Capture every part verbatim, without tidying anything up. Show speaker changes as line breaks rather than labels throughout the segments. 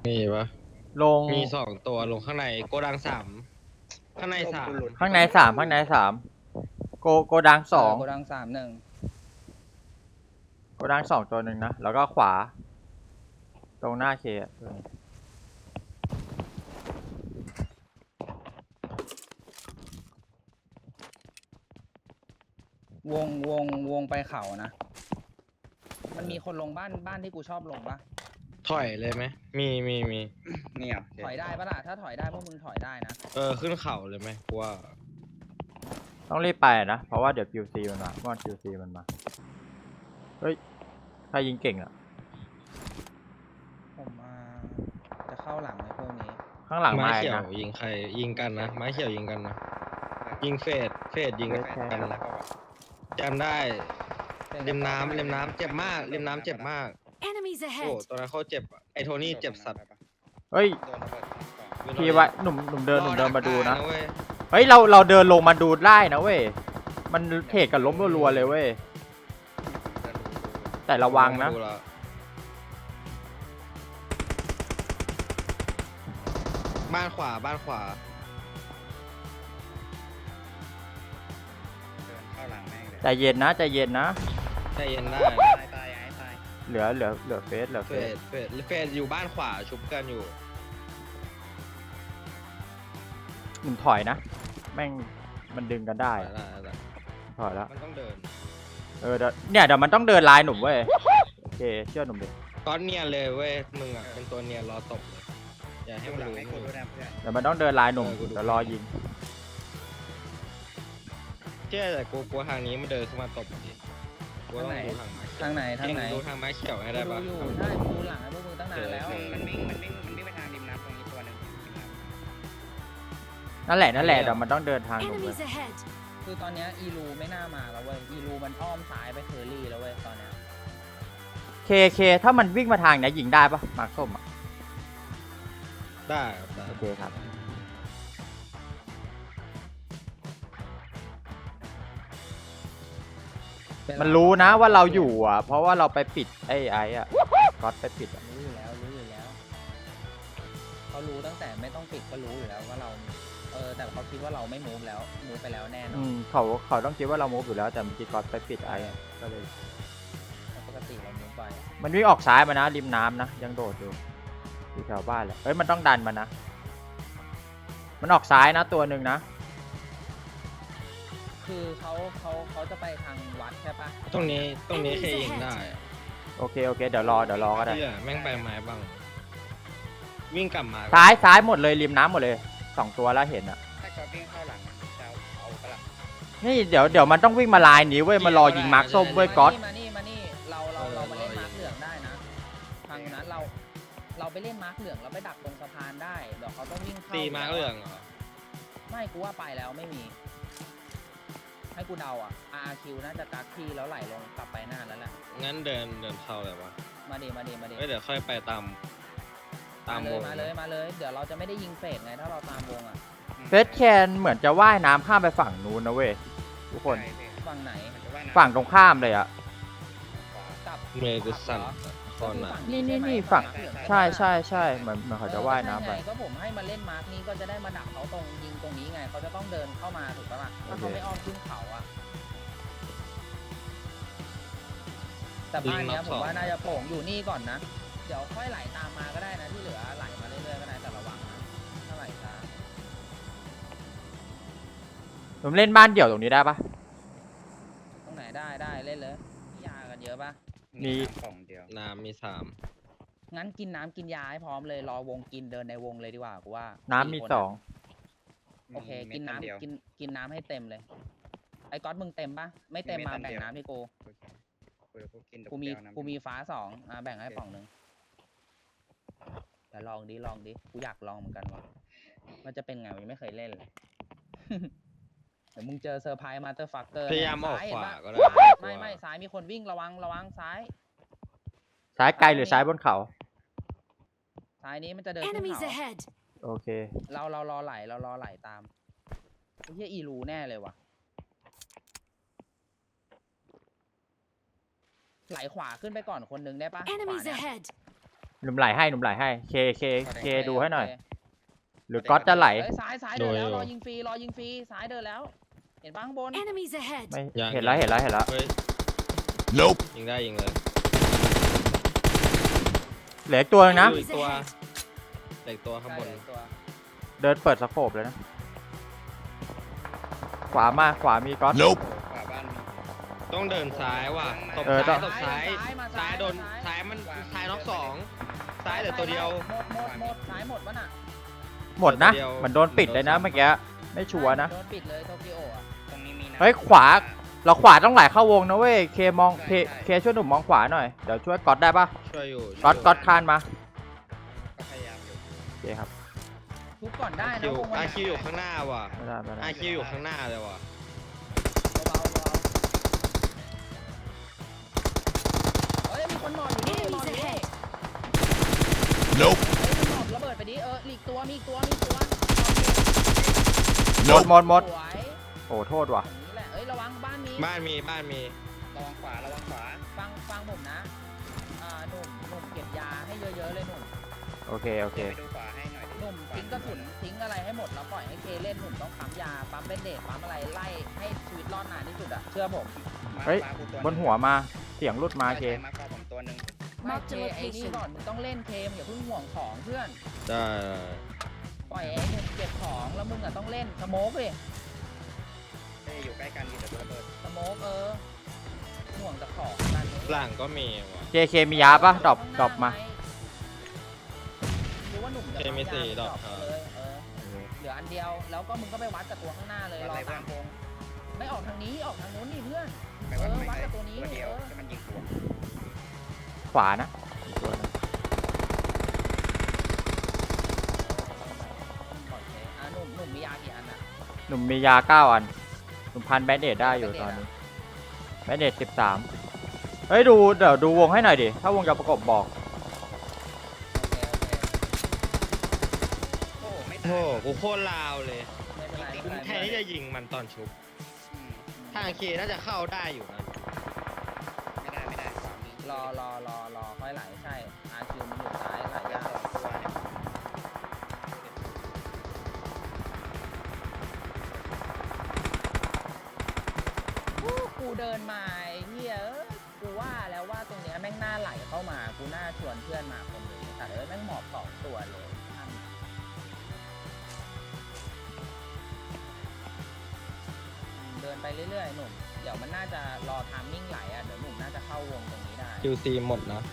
มีปะ
ลง
มีสองตัวลงข้างในโกดังสามข้างในสาม
ข้างในสามข้างในสามโกโกดังสอง
โกดังสามหนึ่ง
โกดังสองตัวหนึ่งนะแล้วก็ขวา ตรงหน้าเคอะ
วงวงวงไปเขานะ มันมีคนลงบ้านบ้านที่กูชอบลงปะ
ถอยเลยไหมมีมีมี
นี่เหรอ
ถอยได้ปะล่ะถ้าถอยได้พวกมึงถอยได้นะ
เออขึ้นเขาเลยไหมกูว่า
ต้องรีบไปนะ เพราะว่าเดี๋ยว คิว ซี มันมาว่า คิว ซี มันมา เฮ้ยใครยิงเก่งอ่ะ
ผมมาจะเข้าหลังในพวกนี้
ข้างหลัง
ไม้
มา
เขียว
นะ
ยิงใครยิงกันนะไม้เขียวยิงกันนะยิงเฟดเฟดยิง
เฟ
กัน
ด
แฟนแล้วก็แบบ
จำได้ริมน้ำริมน้ำเจ็บมากริมน้ำเจ็บมาก
Enemies
โอ้
ahead!
ตอนนั้นเขาเจ็บอะไอโทนี่เจ็บสัตว์
เฮ้ย
โดนระเบิดก่อน
พี่ไว้หนุ่มหนุ่มเดินหนุ่มเดินมาดูนะ
รอดักได้เว้ย
เฮ้ยเราเราเดินลงมาดูได้นะเว้ย มันเทรดกันล้มรัวๆเลยเว้ย แต่ระวังนะ
ดูแล้วบ้านขวาบ้านขวา
เดินเข้าหลังแม่งเลย
ใจเย็นนะใจเย็นนะ
ใจเย็นได้
ตายตายไอ้ตาย
เหลือเหลือเหลือเฟสเหลือ
เฟ
เฟส
ดเฟดเฟดอยู่บ้านขวาชุบกันอยู่
หนุ่มถอยนะ แม่งมันดึงกันได้
ได้ได้ได้
ถอยแล้ว
มันต้องเดิน
เออเดี๋ยวเนี่ยเดี๋ยวมันต้องเดินลายหนุ่มเว้ย โอเคเชื่อหนุ่มดิ
ก้อนเนียนเลยเว้ยมึงอ่ะเป็นตัวเนียนรอตบเลยอย่าให้
ให้
มัน
หลัง
รู้
ให้กูดูนะเพื่อน
เดี๋ยวมันต้องเดินลายหนุ่ม
เออกูดู
เดี๋ยวรอยิง
เชื่อแต่กูกลัวทางนี้มันเดินเข้ามาตบดิกูต้องดูทางไม้
ทางไหนทางไหน
ดูทางไม้เขียวให้ได้
ดู
ปะ
อยู่ใช่กูดูหลังให้พวกมึงตั้งนานแล้ว
มันวิ่งมันวิ่งมันวิ่งไปทางริมน้ำตรงนี้ตัวหนึ่งริมน้ำ
นั่นแหละนั่นแหละเดี๋ยวมันต้องเดินทางหนุ่มเว้ย
Enemies ahead!
คือตอนเนี้ยอีลูไม่น่ามาแล้วเว้ย อีลูมันอ้อมซ้ายไปเทอร์รี่แล้วเว้ยตอนเนี้ย
เคเคถ้ามันวิ่งมาทางเนี้ยยิงได้ปะมาร์คส้มอ่ะ
ได้ครับได้
โอเคครับ มันรู้นะว่าเราอยู่อ่ะ เพราะว่าเราไปปิดไอ้ไอ้อ่ะก๊อตไปปิดอ่ะ
รู้อยู่แล้วรู้อยู่แล้วเขารู้ตั้งแต่ไม่ต้องปิดก็รู้อยู่แล้วว่าเรา เออแต่เขาคิดว่าเราไม่มูฟแล้วมูฟไปแล้วแน่นอ
อื
น
มเขาเขาต้องคิดว่าเรามูฟอยู่แล้วแต่เมื่อกี้ก๊อตไปปิดไอ้อะก็เลย
ปกติเรามูฟไป
มันวิ่งออกซ้ายมานะริมน้ำนะยังโดดอยู่อยู่แถวบ้านแหละเฮ้ยมันต้องดันมานะ มันออกซ้ายนะตัวหนึ่งนะ
คือเขาเขาเขาจะไปทางวัดใช่ปะ
ตรงนี้ตรงนี้เคยยิงได้อะ
โอเคโอเคเดี๋ยวรอเดี๋ยวรอก็ได้
เชื่อแม่งไปไม้บ้าง วิ่งกลับมา
ซ้ายซ้ายหมดเลยริมน้ำหมดเลยสองตัวแล้วเห็นอ่ะ
ถ้าก็วิ่งเข้าหลังจะเอาปะล่ะ
นี่เดี๋ยวเดี๋ยวมันต้องวิ่งมาลายนี้เว้ยมารอยิงมาร์คส้มเว้ยก๊อต
มานี่มานี่เราเราเรามาเล่นมาร์คเหลืองได้นะทางนั้นเราเราไปเล่นมาร์คเหลืองเราไปดักตรงสะพานได้เดี๋ยวเขาต้องวิ่งเข้า
ตีมาเหลืองเหรอ
ไม่กูว่าไปแล้วไม่มี ให้กูเดาอ่ะ อาร์ คิว น่าจะกักที่แล้วไหลลงกลับไปหน้าแล้วแหละ
งั้นเดินเดินเข้าเลยวะ
มาดีมาดีมาดี
เอ้ยเดี๋ยวค่อยไปตามตาม
เล
วย ง
มาเลยมาเลยเดี๋ยวเราจะไม่ได้ยิงเฟสไงถ้าเราตามวงอ่ะ
เฟสแคนเหมือนจะว่ายน้ำข้ามไปฝั่งนู้นนะเว้ยทุกคน
ฝั่งไหน
ฝั่งตรงข้ามเลยอ่ะ
กลับ
เมย์กูสั่นคอนอ่ะ
นี่นี่นี่ฝั่งใช่ใช่ใช่เหมือนเหมือนเขาจะว่ายน้ำไป
เออก็ใช่ไงก็ผมให้มาเล่นมาร์คนี้ก็จะได้มาดักเขาตรงยิงตรงนี้ไงเขาจะต้องเดินเข้ามาถูกปะล่ะถ้าเขาไม่อ้อมขึ้นเขาอ่ะแต่บ้านเนี้ยผมว่าน่าจะโป่งอยู่นี่ก่อนนะเดี๋ยวค่อยไหลตามมาก็ได้นะที่เหลือไหลมาเรื่อยๆก็ได้แต่ระวังนะถ้าไหลช้า
ผมเล่นบ้านเดี่ยวตรงนี้ได้ปะ
ตรงไหนได้ได้เล่นเลยยากันเยอะปะ
มี
กล่องเดียว
น้ำมีสาม
งั้นกินน้ำกินยาให้พร้อมเลยรอวงกินเดินในวงเลยดีกว่ากูว่า
น้ำมี
ค
สอง
โอเคกิน
เม็ดเดียว
น้ำกินกินน้ำให้เต็มเลยไอ้ก๊อตมึงเต็มปะไม่เต็ม
มี
มา
เม็ด
แบ่ง
เดียว
น้ำให้กู
โอเคกูกูกินดอก
กูมี
แก้วน้ำ
กูมีฟ้าสองอ่ะแบ่งให้ป่องหนึ่งแต่ลองดิลองดิกูอยากลองเหมือนกันว่ะมันจะเป็นไงวะยังไม่เคยเล่นเลย เดี๋ยวมึงเจอเซอร์ไพรส์มาเตอร์ฟักเกอร์
พยายามออกขวาก็ได้
ไม่ไม่ซ้ายมีคนวิ่งระวังระวังซ้าย
ซ้ายไกลหรือซ้ายบนเขา
ซ้ายนี้มันจะเดินขึ้น
Enemies
เขา
ahead!
โอเค
เราเรารอไหลเรารอไหลตามไอ้เหี้ยอีรูแน่เลยว่ะไหลขวาขึ้นไปก่อนคนหนึงได้ปะขวา
Enemies
เนี่ย
ahead!
หนุ่มไหลให้หนุ่มไหลให้เคเคเคดูให้หน่อย หรือก๊อตจะไหล
เอ้ยซ้ายซ้ายเดินแล้วรอยิงฟรีรอยิงฟรีซ้ายเดินแล้ว เห็นปะข้างบน
Enemies ahead.
ไม่
ยัง
เห็นแล้วเห็นแล้วเห็นแล้ว
เฮ้ย
Nope.
ยิงได้ยิงเลย
เหลืออีกตัวนึงนะ
อยู่อีกตัวเหลืออีกตัวข้างบน
ใช่ตัว
เดินเปิดสโคปเลยนะ ขวามาขวามีก๊อต
Nope.
ขวาบ้านมี
ต้องเดินซ้ายว่ะตบ
เออต้
ซ้า
อย ง
ตบซ้าย
มา
ซ้ายโดนซ้ายมันซ้ายน็อกสองซ้ายเหลือตัวเดียว
หมดหมดหมดซ้ายหมดวะน่ะ
หมดนะ
ตัวเดียว
เหมือนโดนปิดเลยนะเมื่อกี้ไม่ชัวร์นะ
โดนปิดเลยโตเกียวอ่ะ
ตรงนี้มีนะ
เฮ้ยขวา เราขวาต้องไหลเข้าวงนะเว้ยเคมองเคเคช่วยหนุ่มมองขวาหน่อยเดี๋ยวช่วยก๊อตได้ปะ
ช่วยอยู่
ก๊อตก๊อตคานมา
ก็พยายามอยู่
โอเคครับ
ทุบก่อนได้
อา
นะ
คิว
วงมัน
อาคิวอยู่ข้างหน้าว่ะ
ไม่ได้ไม่ได้
อาคิวอยู่ข้างหน้าเลยว่ะ
เบาๆเบาๆเฮ้ยมีคนหมอบอยู่นี่หมอบอยู่นี่
Nope.
เฮ้ยมันหมอบระเบิดไปดิเอออีกตัวมีอีกตัวมีอีกตัว
หมดหมดหมด
สวย
โอ้โทษว่ะ
อย่างนี้แหละเอ้ยระวังบ้านมี
บ้านมีบ้านมี
ระวังขวาระวังขวา
ฟังฟังผมนะอ่าหนุ่มหนุ่มเก็บยาให้เยอะๆเลยหนุ่ม
โอเคโอเค
เดี๋ยวไปดูขวาให้หน่อยดิ
หนุ่มทิ้งกระสุนทิ้งอะไรให้หมดแล้วปล่อยให้เคเล่นหนุ่มต้องปั๊มยาปั๊มเบนเดตปั๊มอะไรไล่ให้ชีวิตรอดนานที่สุดอะเชื่อผม
มา
เฮ้ย
ขวากูตัว
บนหัวมาเสียงรุดมาเค
ใช่มาขวาผมตัวหนึ่ง
ไม่
Mark
เค
the
ไอ้นี่
location
ก่อนมึงต้องเล่นเคมอย่าเพิ่งห่วงของเพื่อน
ได้
ปล่อยไอ้หนุ่มเก็บของแล้วมึงอะต้องเล่นสโมกเลย
เอ้ยอยู่ใกล้กันมีแต่ตัวระเบิด
สโมกเออห่วงแต่ของนั่น
หลังก็มีว่ะ
เคเคมียาปะดรอปดรอปมา
รู้ว่าหนุ่มจะ
เคมีสี่
ปั๊ยา
ดอก
ไปเลยเออเหลืออันเดียวแล้วก็มึงก็ไปวัดกับตัวข้างหน้าเลยรอตามวงไม่ออกทางนี้ออกทางนู้นนี่เพื่อน
ไปวัด
เออ
ไม่
วัด
ได้
กับตัวนี้
ตัวเดียว
เออ
ที่มันยิงตัว
ขวานะอีกตัวหนึง
โอเคอ่ะหนุ่มหนุ่มมียากี่อันอ่ะ
หนุ่มมียาเก้าอันหนุ่มพันแบนเดดได้อยู่ตอนนี้แบนเดดสิบสามเฮ้ยดูเดี๋ยวดูวงให้หน่อยดิถ้าวงจะประกบบอก
โอเคโอเค
โอ้ไม่
โอ้
ตาย
โหกูโคตรลาวเลย
ไม่เป็นไรไม่
กู
เป็นไร
แทนที่จะยิงมันตอนชุบ
อืม
ทางเคน่าจะเข้าได้อยู่นะ
ไม่ได้ไม่ได้ขวามี
รอรอรอรอค่อยไหลใช่อาคิวมันอยู่ซ้ายไหล
เดี๋ยวย
าก
สองตัวเนี่ย
อู้กูเดินมาไอ้เฮียเอ้ยกูว่าแล้วว่าตรงเนี้ยแม่งน่าไหลเข้ามากูน่าชวนเพื่อนมาคนหนึงแต่เอ้ยแม่งหมอบสองตัวเลยอันเดินไปเรื่อยๆหนุ่มเดี๋ยวมันน่าจะรอทามมิ่งไหลอ่ะเดี๋ยวหนุ่มน่าจะเข้าวงตรงนี้ได้
คิวซีหมดนะ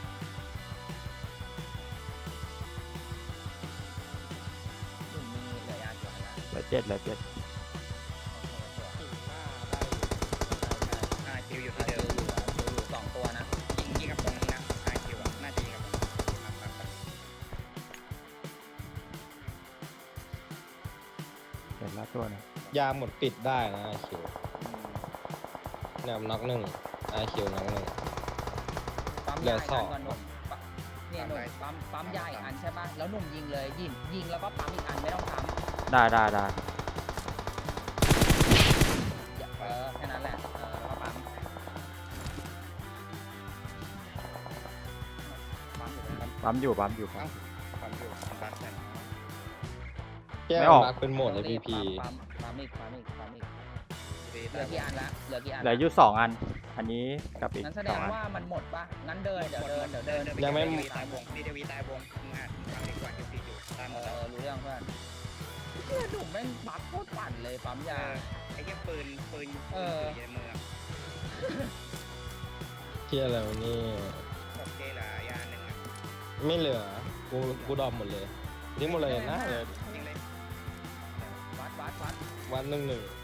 หนุ่มมีเหลือยากี่อันละ
เหลือเจ็ดเหลือเจ็ด
โอเคสวย
อาคิวอยู่
อา
ที่
คิ
เดิ
ว
ม
อยู่อาคิวอยู่สองตัวนะ
ยิงยิงกับตรงนี้นะอาคิวอะน่าจะยิงกับตรงนี้ครับครับครับ
เห็นแล้วตัวหนึง
ยาหมดปิดได้นะอาคิว
อืม
เนี่ยน็อกหนึ่งอาคิวน็อกหนึ่ง
ปั๊ม
เหลื
ยา
อ
อีก
ส
อั
อน ง
ก่อนหนุ่มปั๊มเนี่ยหนุ่มปั๊มปั๊มยาอีกอันใช่ป่ะแล้วหนุ่มยิงเลยยิงยิงแล้วก็ปั๊มอีกอันไม่ต้องปั๊ม
ได้ได้ได้
อย่าเออแค่นั้นแหละเออแล้วก็ปั๊มปั๊มอยู่ไหม
ปั๊มอยู่ปั๊มอยู่ครับ
ความอยู่ความรักกัน
แก้
ไม่
ว
ออก
รักเป็นโหมดเลยพีพี
ปั๊มปั๊มอีกปั๊มอีกปั๊มอีก
ดี
เหลือกี่อันละเหลือกี่อัน
เหลืออยู่สองอัน อันนี้กับอีก
งั้นแสด
สอง
ง
อัน
ว่ามันหมดป่ะงั้นเดินเดี๋ยวเดินเดี๋ยว
เดิ
เดิ
น
น
เดินไป
ยังไม่
เดวีตายวงดีเดวีตายวงมึงอ่ะทำดีกว่าคิวซีอยู่ตายหม
เอ
ดแล้ว
อรู้เรื่องเพื่อนเพื่อนหนุ่มแม่งปั๊มโคตรปั่นเลยปั๊ม
เอย
า
อไอ้เหี้ยปืนปืน
เออ
ปืนอยู่ในมืออะ
เที่ยอะไรวะนี่
โอเคเหรอยาหนึ่งอ่ะ
ไม่เหลือ กูกูดรอปหมดเลยนี่หมดเลยนะเลย
ยิงเลย
วัดวัดวัด
วันหนึ่งหนึ่ง
เ